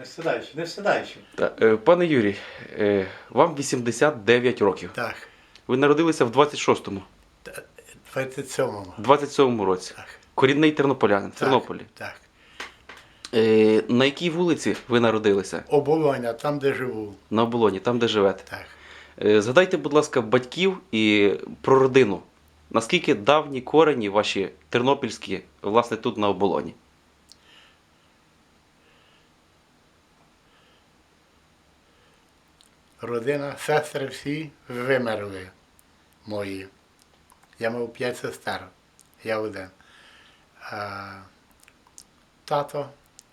Не сідаючи, не сідаючи. Пане Юрій, вам 89 років. Так, Ви народилися в 26-му, 27-му. 27-му році. Так. Корінний тернополянин в Тернополі. Так. На якій вулиці ви народилися? Оболоня, там, де живу. На Оболоні, там, де живете. Так. Згадайте, будь ласка, батьків і про родину. Наскільки давні корені ваші тернопільські, власне, тут на Оболоні? Родина, сестри всі вимерли мої. Я мав 5 сестер, я один. А тато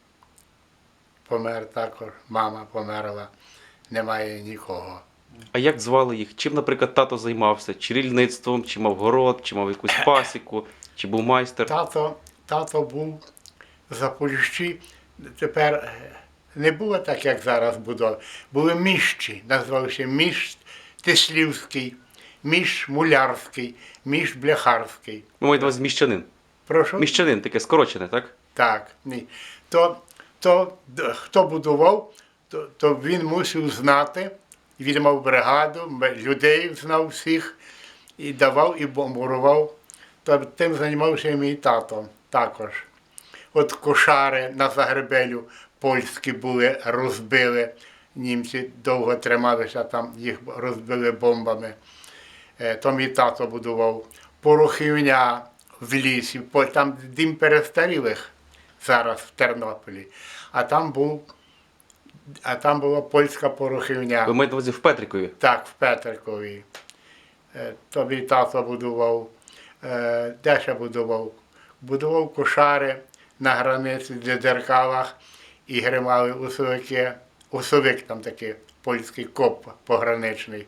помер також, мама померла, немає нікого. А як звали їх? Чим, наприклад, тато займався? Чи рільництвом, чи мав город, чи мав якусь пасіку, чи був майстер? Тато був в Запоріжжі, тепер не було так, як зараз будови. Були міщі, називалися міщ Тислівський, міщ Мулярський, міщ Бляхарський. Ви маєте на увазі міщанин. Прошу? Міщанин, таке скорочене, так? Так, ні. Хто будував, то він мусив знати, він мав бригаду, людей знав всіх, і давав, і бомбурував. То тим займався і мій тато також. От кошари на Загребелю польські були, розбили, німці довго трималися там, їх розбили бомбами. То мій тато будував. Порохівня в лісі, там дім перестарілих зараз в Тернополі, а там була польська порохівня. Ви маєте на увазі в Петрикові? Так, в Петрикові. То мій тато будував. Де ще будував? Будував кошари на границі, в Дзеркалах, і гримали усовики. Усовик там такий, польський коп пограничний.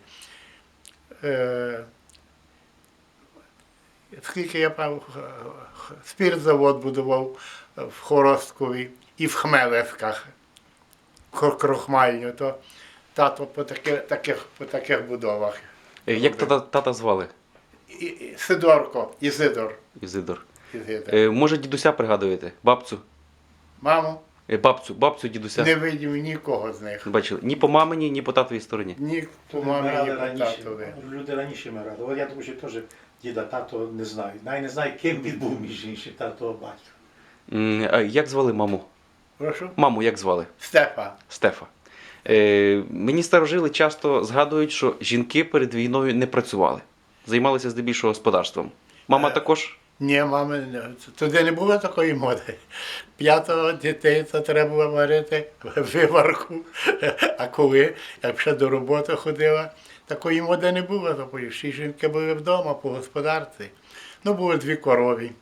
Скільки я пам'ятаю, спіртзавод будував в Хоросткові і в Хмелевськах, крохмальню, то тато по таких будовах. Як тата звали? Сидорко, Ізидор. Ізидор. Ізидор. Може, дідуся пригадуєте? Бабцю? Маму Бабцю дідуся. не видів нікого з них. Бачили? Ні по мамині, ні по татовій стороні. Ні по мамі, ні Вмирали по раніше. татові. Люди раніше вмирали. От я думаю, що теж діда, тато не знаю. Навіть не знаю, ким він був між іншим, тато батько. А як звали маму? Прошу? Маму як звали? Стефа. Стефа. Мені старожили часто згадують, що жінки перед війною не працювали. Займалися здебільшого господарством. Мама також? Ні, мами, туди не було такої моди. 5 дітей то треба було варити виварку. А коли, як ще до роботи ходила, такої моди не було. Тобто всі жінки були вдома по господарці. Ну, було 2 корові,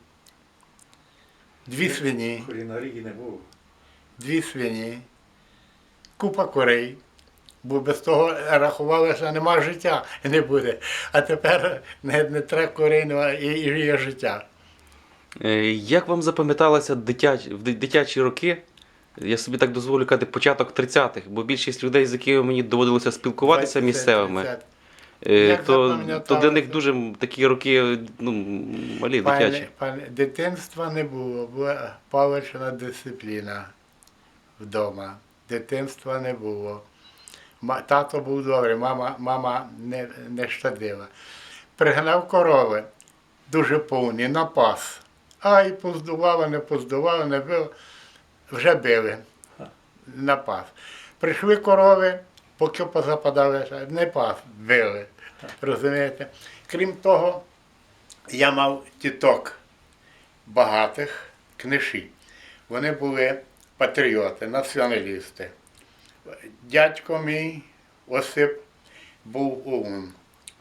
2 свині, Кулінарії не було. 2 свині, купа курей. Бо без того рахували, що нема життя, не буде. А тепер не треба курей, і є життя. Як вам запам'яталося в дитячі роки, я собі так дозволю казати, початок 30-х, бо більшість людей, з якими мені доводилося спілкуватися 20, місцевими, 30. то для них дуже такі роки малі, дитячі. Дитинства не було, була палична дисципліна вдома. Дитинства не було. Тато був добрий, мама не щадила. Пригнав корови, дуже повні, напас. Ай, поздувало, не било, вже били, напас. Прийшли корови, поки позападали, не пас, били. Розумієте? Крім того, я мав тіток багатих, книжі. Вони були патріоти, націоналісти. Дядько мій Осип був ОУН.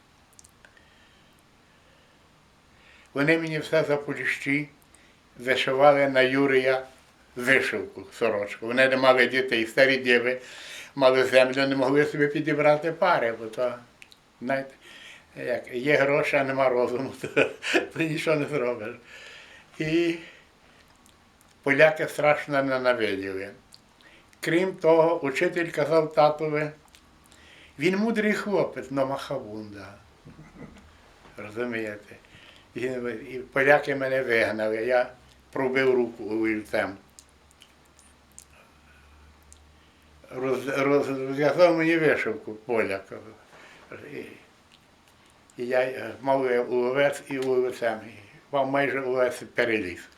Вони мені все Запоріжжі вишивали на Юрія вишивку, сорочку. Вони не мали дітей, старі діви мали землю, не могли собі підібрати пари, бо то, знаєте, як є гроші, а нема розуму, то нічого не зробиш. І поляки страшно ненавиділи. Крім того, учитель казав татові, він мудрий хлопець, но махабунда. Розумієте? І поляки мене вигнали, я пробив руку олівцем. розв'язав мені вишивку поляк. І я мав УВС і УВСМ. Мав майже УВС переліз.